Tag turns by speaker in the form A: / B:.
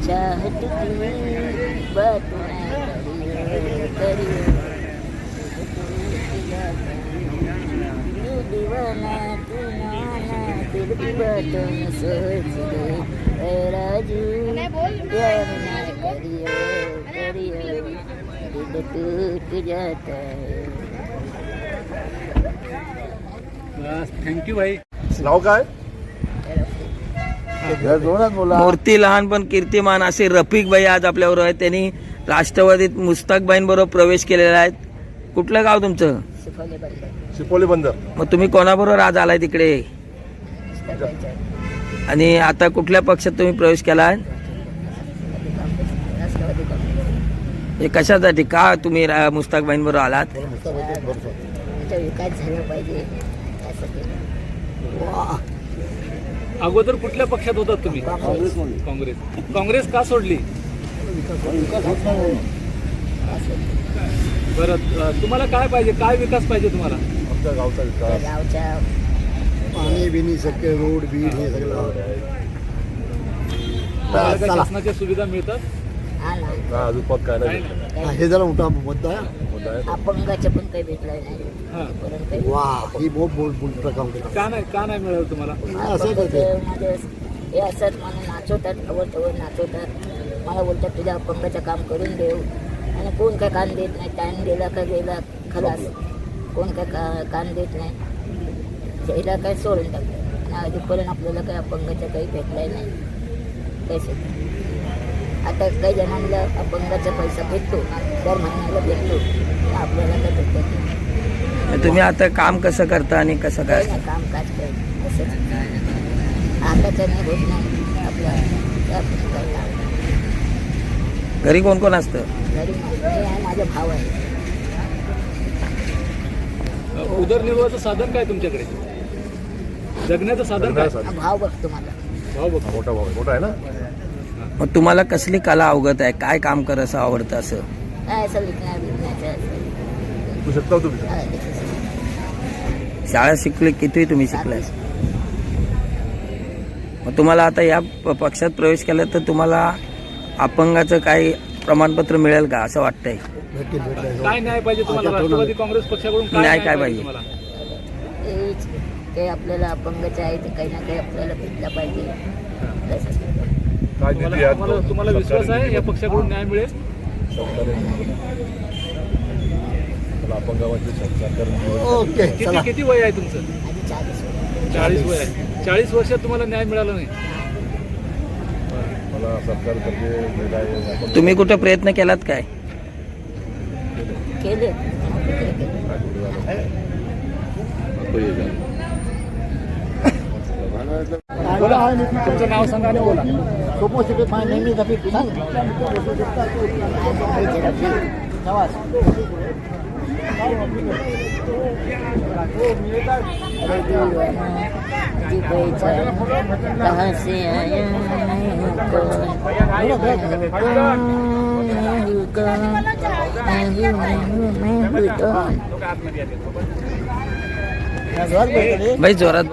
A: चाहत की बात करिए तू दीवाना तू नाना दिल की बातों में सोच गए ऐ राजू प्यार ना करिए दिल टूट जाता है.
B: बस थँक्यू भाई.
C: नाव काय?
D: मूर्ती लहान पण कीर्तिमान असे रफिक भाई आज आपल्याबरोबर आहेत. त्यांनी राष्ट्रवादीत मुस्ताकबाईंबरोबर प्रवेश केलेला आहे. कुठलं गाव तुमचं?
C: शिपोली बंदर.
D: मग तुम्ही कोणाबरोबर आज आलाय तिकडे? आणि आता कुठल्या पक्षात तुम्ही प्रवेश केला? हे कशासाठी, का तुम्ही मुस्ताकबाईंबरोबर आलात?
A: विकास झाला पाहिजे.
B: अगोदर कुठल्या पक्षात होतात तुम्ही? काँग्रेस का सोडली? बरं, तुम्हाला काय पाहिजे, काय विकास पाहिजे तुम्हाला?
C: आमच्या गावचा विकास,
A: गावच्या
C: पाणी बिनी सगळे रोड बीड हे सगळं.
B: तुम्हाला काय शासनाच्या सुविधा मिळतात?
C: अजून पद काय नाही.
E: हे जरा मोठा मुद्दा आहे.
A: अपंगाच्या पण काही भेटलाय नाही.
E: वा, ही बहुत बोलता काम केलं.
B: का नाही मिळालं तुम्हाला?
E: असं करते
A: हे असंच मला नाचवतात, अवरतवर नाचवतात. मला बोलतात तुझ्या अपंगाचं काम करून देऊ. आणि कोण काय कान देत नाही. टाइम दिला का गेला खलास. कोण काय कान देत नाही. त्याला काय सोडून टाकतात. आणि अजूनपर्यंत आपल्याला काही अपंगाचं काही भेटलाय नाही. पैसे आता काही जणांना अपंगाचा पैसा भेटतो, दर महिन्याला भेटतो. आपल्याला काय भेटत.
D: तुम्ही आता काम कसं करता आणि कसं काय?
A: कामकाज करत असंच आताचं नाही होत नाही आपल्या.
D: घरी कोण कोण असतं?
A: घरी मी आहे, माझा भाव आहे.
B: उदरनिर्वाहाचं साधन काय तुमच्याकडे? जगण्याचं साधन काय?
A: भाव बघतो मला.
B: भाऊ बघ.
C: मोठा भाऊ आहे. मोठा आहे ना.
D: मग तुम्हाला कसली कला अवगत आहे? काय काम करायचं आवडतं? असं
A: काय असं विकण्याचं
C: तू शकता तुम्ही.
D: शाळा शिकले, किती तुम्ही शिकलाय? मग तुम्हाला आता या पक्षात प्रवेश केला तर तुम्हाला अपंगाचं काही प्रमाणपत्र मिळेल का असं वाटतंय?
B: काय न्याय पाहिजे तुम्हाला? राष्ट्रवादी काँग्रेस पक्षाकडून
D: न्याय काय पाहिजे?
B: तुम्हाला?
A: ते आपल्याला अपंगाचं आहे ते काही ना काही आपल्याला भेटला पाहिजे.
C: काय निधी आहे?
B: तुम्हाला विश्वास आहे या पक्षाकडून न्याय मिळेल?
C: अपंगावाचे सरकार.
E: ओके, चला.
B: किती वय आहे तुमचं?
A: माझी
B: 40 वय आहे. 40 वर्षात तुम्हाला न्याय मिळाला नाही?
C: मला सरकारतर्फे
D: तुम्ही कुठे प्रयत्न केलात काय?
A: केले.
B: तुमचं नाव सांगा आणि बोला.
A: कहाँ से आया
D: भाई जोरात